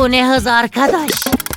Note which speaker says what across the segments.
Speaker 1: Bu ne hız arkadaş?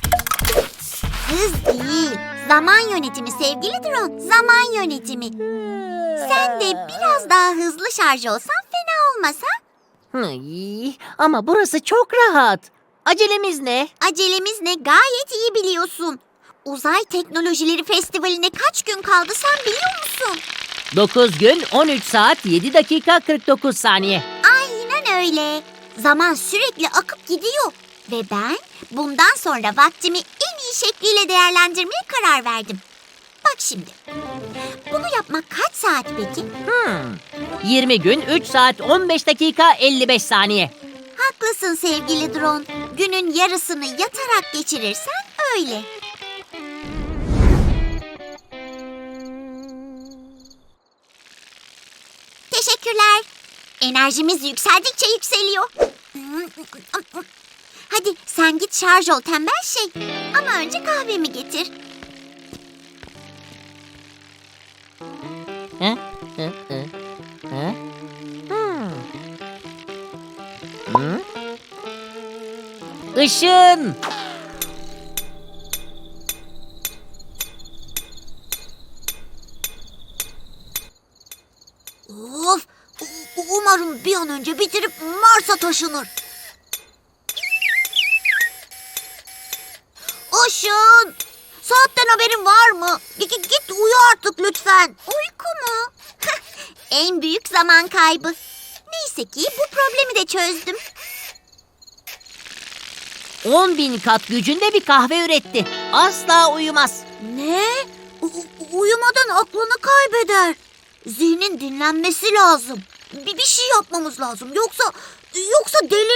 Speaker 2: Hız değil, zaman yönetimi sevgili drone. Zaman yönetimi. Sen de biraz daha hızlı şarj olsan fena olmaz ha?
Speaker 1: Hıy, ama burası çok rahat. Acelemiz ne?
Speaker 2: Acelemiz ne gayet iyi biliyorsun. Uzay Teknolojileri Festivali'ne kaç gün kaldı sen biliyor musun?
Speaker 1: 9 gün 13 saat 7 dakika 49 saniye.
Speaker 2: Aynen öyle. Zaman sürekli akıp gidiyor. Ve ben bundan sonra vaktimi en iyi şekliyle değerlendirmeye karar verdim. Bak şimdi. Bunu yapmak kaç saat peki?
Speaker 1: 20 gün 3 saat 15 dakika 55 saniye.
Speaker 2: Haklısın sevgili drone. Günün yarısını yatarak geçirirsen öyle. Teşekkürler. Enerjimiz yükseldikçe yükseliyor. Hadi sen git şarj ol tembel şey. Ama önce kahvemi getir.
Speaker 1: Hı? Hı? Hı? Hı? Hı? Işın!
Speaker 2: Of! Umarım bir an önce bitirip Mars'a taşınır. Işın! Saatten haberin var mı? Git uyu artık lütfen. Uyku mu? En büyük zaman kaybı. Neyse ki bu problemi de çözdüm.
Speaker 1: 10.000 kat gücünde bir kahve üretti. Asla uyumaz.
Speaker 2: Ne? Uyumadan aklını kaybeder. Zihnin dinlenmesi lazım. Bir şey yapmamız lazım. Yoksa delir.